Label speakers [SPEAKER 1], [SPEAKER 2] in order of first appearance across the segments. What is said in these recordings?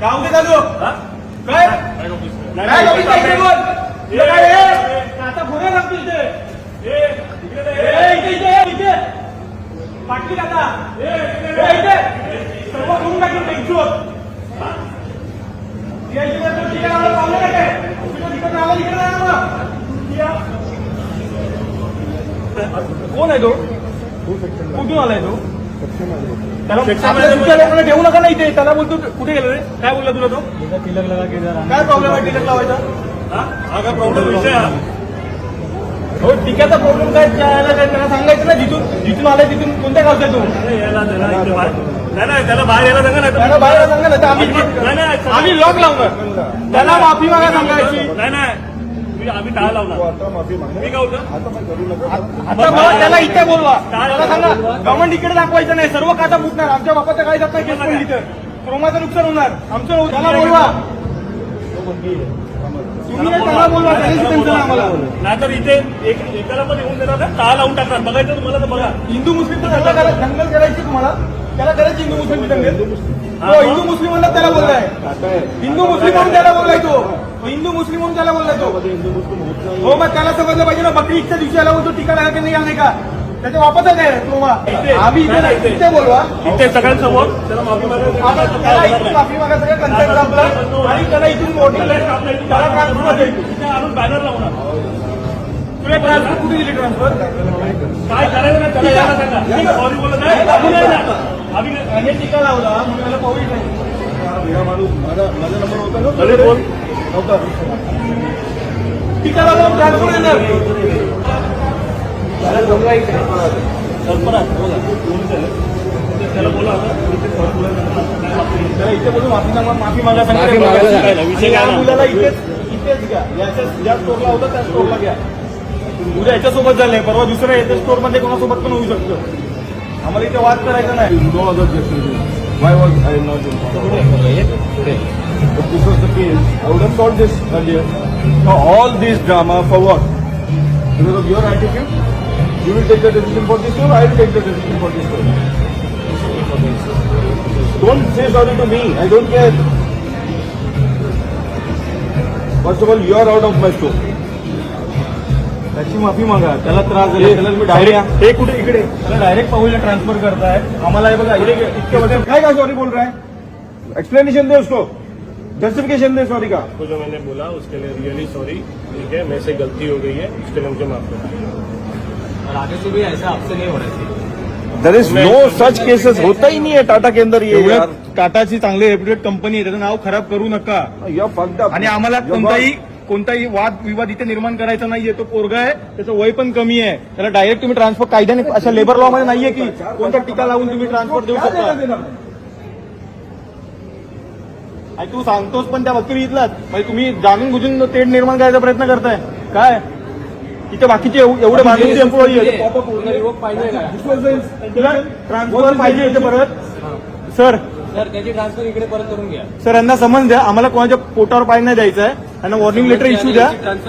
[SPEAKER 1] गाव दे चालू काय काय ऑफिस काय इकडे बोल इकडे काय आता पुढे लागतो इथे इथे पाटली आता इथे सर्व करून टाकून टेन्शन कोण आहे तो कुठून आलाय तो त्याला ठेवू नका ना इथे त्याला बोलतो कुठे गेलो रे काय बोलला तुला तो तिलक लगा काय प्रॉब्लेम आहे तिलक लावायचा हा काय प्रॉब्लेम विषय हो टिकाचा प्रॉब्लेम काय त्यांना सांगायचं ना जिथून आलाय तिथून कोणत्या गावचा तू नाही त्याला बाहेर यायला सांगा त्याला बाहेर सांगा ना आम्ही लॉक लावणार त्याला माफी मागा सांगायची नाही आम्ही टाळा लावणार मी काय होतं आता मला त्याला इथे बोलवा त्याला सांगा गव्हर्नमेंट इकडे दाखवायचं नाही सर्व काटा फुटणार आमच्या बापाचं काय जात नाही केस पण इथं क्रोमाचं नुकसान होणार आमचं त्याला बोलवा तुम्ही त्याला बोलवा त्यांचं आम्हाला नाही तर इथे एकाला पण येऊन देणार टाळा लावून टाकणार बघायचं तुम्हाला तर बघा हिंदू मुस्लिम दंगल करायची तुम्हाला त्याला करायची हिंदू मुस्लिम दंगल हिंदू मुस्लिमांना त्याला बोललाय हिंदू मुस्लिम म्हणून त्याला बोललाय तो हिंदू मुस्लिम म्हणून त्याला बोललाय तो हो मग त्याला समजलं पाहिजे ना बकरी ईदच्या दिवशी आला होतो टीका लागला की नाही आला का त्याच्या वापस आहे आम्ही इथे बोलवा इथे सगळ्यांसमोर त्याला माफी मागा सगळं कन्सेप्ट संपला आणि त्याला इथून मोठी त्याला ट्रान्सफर आणून बॅनर लावणार तुला ट्रान्सफर कुठे दिली ट्रान्सफर काय करायचं ना त्याला यायला सांगा सॉरी बोलत नाही आम्ही टीका लावला म्हणून त्याला पाहू नाही माणूस माझा नंबर होता ना बोल होता टीका लावला ट्रान्सफर येणार त्याला बोला त्याला इथे बोलून माफी मागा सांगायला विषय काय मुलाला इथेच घ्या ज्या स्टोरला होता त्या स्टोरला घ्या उद्या याच्यासोबत झालंय परवा दुसऱ्या याच्या स्टोर मध्ये कोणासोबत पण होऊ शकतं आम्हाला इथे वाद करायचा नाही Why was I not informed? But this was the case. I would have solved this earlier. Now all this drama for what? Because of your attitude? You will take the decision for this store, I will take the decision for this store. Don't say sorry to me, I don't care. First of all, you are out of my store. त्याची माफी मागा त्याला त्रास झाला त्याला तुम्ही direct हे कुठे इकडे त्याला डायरेक्ट पाहूला ट्रान्सफर करताय आम्हाला हे बघा इतके बघा काय सॉरी बोल रहा है एक्सप्लेनेशन दे उसको जस्टिफिकेशन दे सॉरी का तो जो मैंने बोला उसके लिए रियली सॉरी ठीक है मेरे से गलती हो गई है उसके लिए मुझे माफ करो और आगे से भी ऐसा आपसे नहीं होना चाहिए there is no such cases होता ही नहीं है टाटा के अंदर ये टाटाची चांगली रेप्युटेड कंपनी आहे त्याचं नाव खराब करू नका आणि आम्हाला कोणताही वाद विवाद इथे निर्माण करायचा नाहीये तो पोरगा आहे त्याचं वय पण कमी आहे त्याला डायरेक्ट तुम्ही ट्रान्सफर कायद्याने अशा लेबर लॉ मध्ये नाहीये की कोणत्या टीका लावून तुम्ही ट्रान्सफर देऊ शकता तू सांगतोस पण त्या वकील इथलाच म्हणजे तुम्ही जाणून बुजून तेढ निर्माण करायचा प्रयत्न करताय काय इथे बाकीचे एवढे माणूस एम्प्लॉई ट्रान्सफर पाहिजे इथे परत सर त्याची ट्रान्सफर इकडे परत करून घ्या सर यांना समज द्या आम्हाला कोणाच्या पोटावर पाय नाही द्यायचं आहे त्यांना वॉर्निंग लेटर इश्यू द्या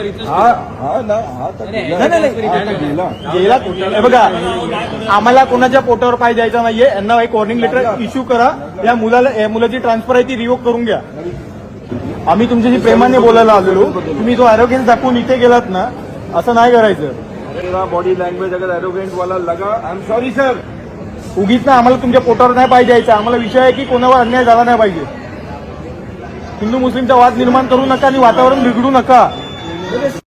[SPEAKER 1] गेला बघा आम्हाला कोणाच्या पोटावर पाय द्यायचा नाहीये यांना एक वॉर्निंग लेटर इश्यू करा या मुलाची ट्रान्सफर आहे ती रिवोक करून घ्या आम्ही तुमच्याशी प्रेमाने बोलायला आलेलो तुम्ही जो अरोगेन्स दाखवून इथे गेलात ना असं नाही करायचं बॉडी लँग्वेज अगर अरोगेंट वाला लगा आय एम सॉरी सर उगीच ना आम्हाला तुमच्या पोटावर नाही पाहिजे यायचं आम्हाला विषय आहे की कोणावर अन्याय झाला नाही पाहिजे हिंदू मुस्लिमचा वाद निर्माण करू नका आणि वातावरण बिघडू नका